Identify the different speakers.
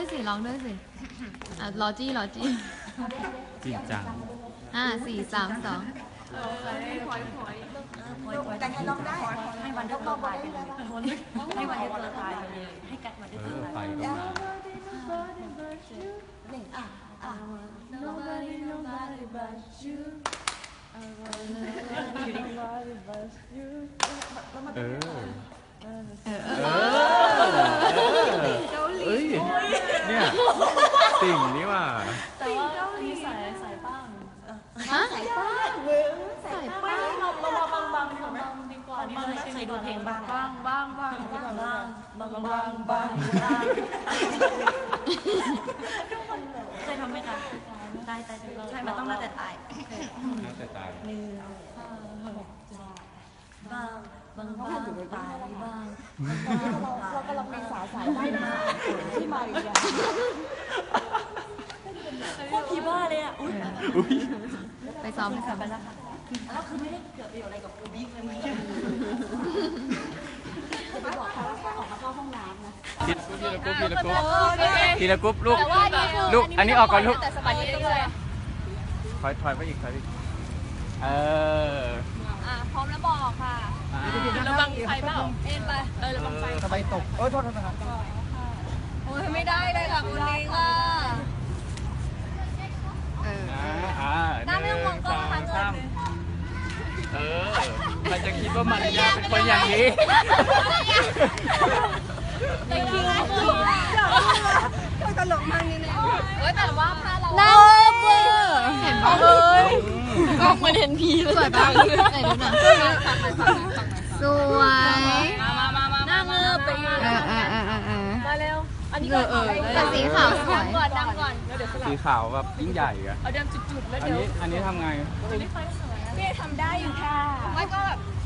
Speaker 1: ด้วยสิร้องด้วยสิรอจี้
Speaker 2: จริงจัง
Speaker 1: 4 3 2
Speaker 3: แต่ให้ร้องได้
Speaker 4: ให้วันเดียวตายไปเลยให้วันเดียวตายไปเลยให้กัดวันเดียวตายไปเลย
Speaker 3: Nobody but you
Speaker 2: เกาหลีเนี่ยติ่งนี่ว่า
Speaker 4: แต่ว่ามีสายบ้าง
Speaker 3: สายป้าเราบางดีกว่านี่เคยดูเพลงบ้างเคยทำไหมคะตายใช่มันต้องน่าจะตายบางตายบ้างเรากำลังมีสายได้มาที่มาอีกอย่างพวกผีบ้าเลยอ่ะ
Speaker 1: ไปซ้อม
Speaker 3: ไปแล้วค่ะแล้วคือไม่ได้เกิดประโยชน์อะไรกับกูบิ๊กเลยมึงไปบอกเขาว่าออกมาเข้าห้องน้ำนะ
Speaker 2: ทีละกรุ๊ปลูกอันนี้ออกก่อนลูกถอยไปอีก
Speaker 1: พร้อมแล้วบอกค่ะระวังไฟเปล่าเอ็นไประวังไฟ
Speaker 2: สบายตกโทษนะครับ
Speaker 1: โอ้ยไม่ได้เลยค่ะคุณลิงอ่ะหน้าไม่ต้องมองกล้องค่ะ
Speaker 2: ใครจะคิดว่ามันยาเป็นคนอย่างนี้
Speaker 1: แต่คิง
Speaker 3: ตลกมากนี่เนี่ย
Speaker 1: แต่ว่าถ้าเราน่าเบื่อเห็นป่ะกล้องมันเห็นพีเลยสวยป่ะไหนดูหน่อยสวยนั่งไปมาเร็วอันนี้แต่สีขาวสวยนั่งก่อน
Speaker 2: สีขาวแบบยิ่งใหญ่อะ
Speaker 1: เอาเดิมจุดๆแล้วเดี๋ยว
Speaker 2: อันนี้ทำไง
Speaker 1: พี่ทำได้อยู่ค่ะไม่ก็แบบ